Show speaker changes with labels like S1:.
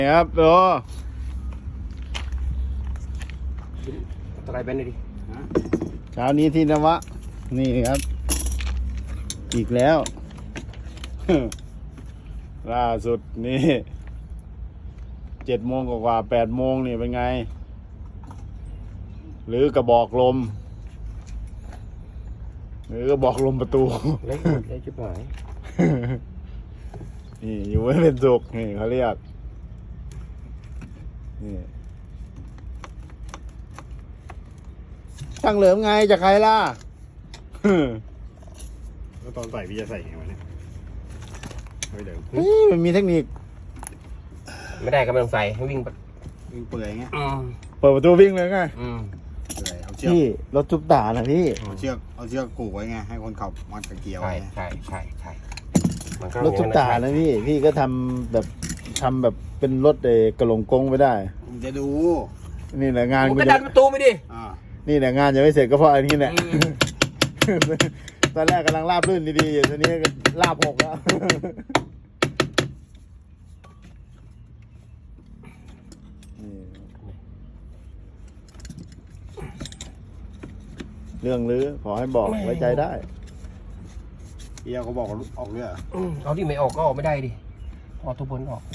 S1: ครับโต
S2: ตะไคร้เป็นเลยดิ
S1: เช้านี้ที่นวะนี่ครับ อีกแล้ว ล่าสุดนี่7 โมงกว่า8 โมงนี่เป็นไง หรือกระบอกลม หรือกระบอกลมประตู
S2: เล็กเล็กชิบหาย
S1: นี่อยู่ไม่เป็นสุขนี่เขาเรียกนี่ช่างเหลิมไงจากใครล่ะ
S3: แล้วตอนใส่พี่จะใส่ไงวะเนี่ยไม่เดี๋ยว
S1: เฮ้ยมันมีเทคนิค
S2: ไม่ได้ก็ไม่ต้องใส่ให้วิ่งไป
S3: วิ่งเปื่อยไง
S1: เปิดประตูวิ่งเลยไง
S3: เปื่อยเอาเชือก
S1: พี่รถทุบตานะพี่
S3: เอาเชือกผูกไว้ไงให้คนขับมัดกับเกียร์
S2: ใช่
S3: ไว้
S2: ใช่มันก็
S1: รถทุบตานะพี่ก็ทำแบบเป็นรถกระหลงกงไปได้
S3: มึงจะดู
S1: นี่แหละงาน
S2: มึง
S1: กู
S2: ก็
S1: จะ
S2: ดันประตูไปดิ
S3: อ่า
S1: นี่แหละงานยังไม่เสร็จก็เพราะอันนี้แหละ ตอนแรกกำลังลาบลื่นดีๆอยู่ตอนนี้ก็ลาบหกแล้วเรื่องลือขอให้บอกไว้ใจได้
S3: เกียร์เขาบอกว่าออกเรือ
S2: เอาที่ไม่ออกก็ออกไม่ได้ดิออกทุกคนออก